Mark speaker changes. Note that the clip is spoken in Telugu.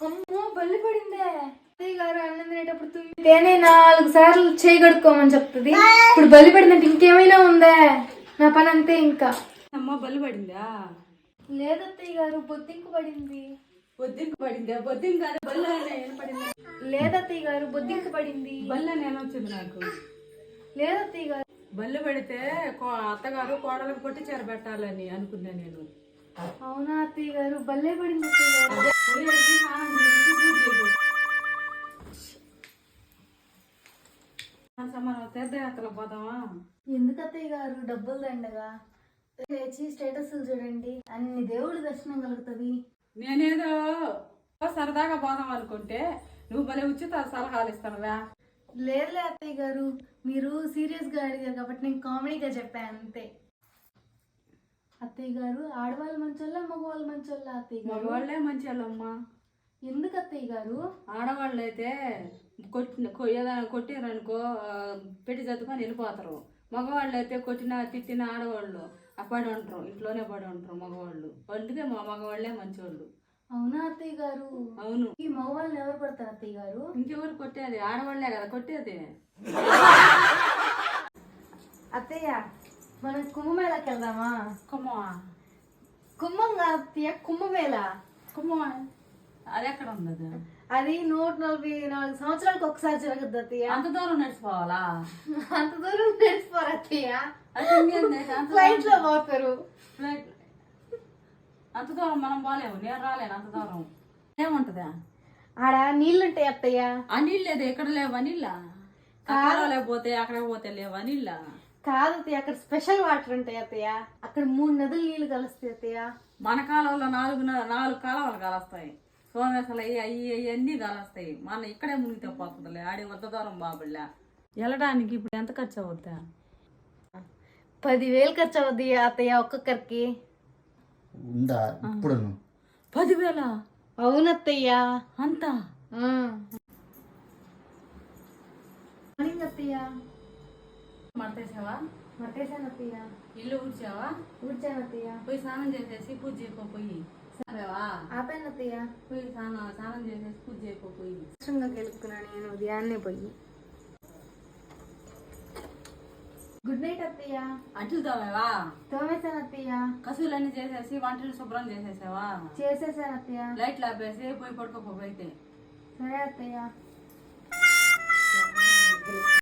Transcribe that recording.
Speaker 1: అమ్మో బల్లి పడిందే. అత్తయ్య గారు అన్నం తినేటప్పుడు తేనే 4 సార్లు చేయగడుక్కోమని చెప్తుంది. ఇప్పుడు బల్లి పడిందంటే ఇంకేమైనా ఉందా? నా పని అంతే ఇంకా.
Speaker 2: అమ్మ బల్లి పడిందా?
Speaker 1: లేదత్తయ్య గారు బొద్దింకు పడింది.
Speaker 2: బొద్దింకు పడిందా? బొద్దింకు కాదు బల్ల పడింది.
Speaker 1: లేదత్తయ్య గారు బొద్దింకు పడింది.
Speaker 2: బల్ల నేను వచ్చింది నాకు.
Speaker 1: లేదత్తయ్య గారు
Speaker 2: బల్లి పడితే అత్తగారు కోడలకు పొట్టి చీర పెట్టాలని అనుకున్నా నేను.
Speaker 1: అవునా అత్తయ్య గారు? బల్లే పడింది అత్తయ్య గారు.
Speaker 2: మనం తీర్థయాత్రలో పోదామా?
Speaker 1: ఎందుకు అత్తయ్య గారు? డబ్బులు దండగా లేచి స్టేటస్లు చూడండి, అన్ని దేవుడి దర్శనం కలుగుతుంది.
Speaker 2: నేనేదో సరదాగా పోదాం అనుకుంటే నువ్వు భలే ఉచిత సలహాలు ఇస్తానువా.
Speaker 1: లేదులే అత్తయ్య గారు, మీరు సీరియస్ గా అడిగారు కాబట్టి నేను కామెడీగా చెప్పాను అంతే. అత్తయ్య గారు ఆడవాళ్ళు మంచోళ్ళ మగవాళ్ళు మంచోళ్ళ? అత్తయ్య గారు
Speaker 2: మగవాళ్ళే మంచి వాళ్ళమ్మా.
Speaker 1: ఎందుకు అత్తయ్య గారు?
Speaker 2: ఆడవాళ్ళు అయితే ఏదైనా కొట్టిరనుకో పెట్టి చదువుకొని వెళ్ళిపోతారు. మగవాళ్ళు అయితే కొట్టిన తిట్టిన ఆడవాళ్ళు పడి ఉంటారు, ఇంట్లోనే పడి ఉంటారు మగవాళ్ళు. అందుకే మా మగవాళ్ళే మంచివాళ్ళు.
Speaker 1: అవునా అత్తయ్య గారు?
Speaker 2: అవును.
Speaker 1: ఈ మగవాళ్ళని ఎవరు కొడతారు అత్తయ్య గారు?
Speaker 2: ఇంకెవరు కొట్టేది? ఆడవాళ్లే కదా కొట్టేది.
Speaker 1: అత్తయ్య మనం కుంభమేళకి వెళ్దామా? కుంభం కాదు అత్తయ్య, కుంభమేళ.
Speaker 2: అది ఎక్కడ ఉంది?
Speaker 1: అది 144 సంవత్సరాలకు ఒకసారి జరుగుద్ది అత్తయ్య.
Speaker 2: అంత దూరం నడిచిపోవాలా?
Speaker 1: అంత దూరం నడిచిపోరు అత్తయ్య,
Speaker 2: అంత
Speaker 1: ఫ్లైట్ లో పోతారు.
Speaker 2: ఫ్లైట్ అంత దూరం మనం పోలేము, నేను రాలేను అంత దూరం. ఏముంటదా
Speaker 1: ఆడ నీళ్లుంటాయి అత్తయ్య.
Speaker 2: ఆ నీళ్ళు లేదు, ఎక్కడ లేవా నీళ్ళ? కాలువలేకపోతే అక్కడ పోతే లేవా నీళ్ళ?
Speaker 1: కాదు అత్తయ్య, అక్కడ స్పెషల్ వాటర్ ఉంటాయి అత్తయ్య. అక్కడ 3 నదులు నీళ్లు కలుస్తాయి అత్తయ్య.
Speaker 2: మన కాలంలో 4 కాలువలు కలుస్తాయి. సోమేసలు అన్ని కలుస్తాయి. మన ఇక్కడే మునిగితే పోతుందిలే, ఆడి వద్ద దూరం బాబుల్లా. వెళ్ళడానికి ఇప్పుడు ఎంత ఖర్చు అవుద్దా?
Speaker 1: 10,000 ఖర్చు అవుద్ది అత్తయ్య ఒక్కొక్కరికి.
Speaker 3: ఉందా ఇప్పుడు?
Speaker 2: 10,000?
Speaker 1: అవునత్తయ్య.
Speaker 2: అంతా
Speaker 1: అత్తయ్య
Speaker 2: మడతేసావా?
Speaker 1: మట్టేశాను అత్తయ్య.
Speaker 2: ఇల్లు ఊడ్చావా?
Speaker 1: ఊడ్చాను అత్తయ్య.
Speaker 2: పోయి స్నానం చేసేసి పూజ చేయకపోయి
Speaker 1: ఆపాను అత్తయ్య.
Speaker 2: పోయి స్నానం చేసేసి పూజ చేయకపోయి
Speaker 1: కష్టంగా గెలుపుకున్నాను నేను ఉదయాన్నే పోయి. గుడ్ నైట్ అత్తయ్య.
Speaker 2: అంట్లు తోమేవా?
Speaker 1: తోమేశాను అత్తయ్య.
Speaker 2: కసువులన్నీ చేసేసి వంటలు శుభ్రం చేసేసావా?
Speaker 1: చేసేసాను అత్తయ్య.
Speaker 2: లైట్లు ఆపేసి పోయి పడుకోపోయితే.
Speaker 1: సరే అత్తయ్య.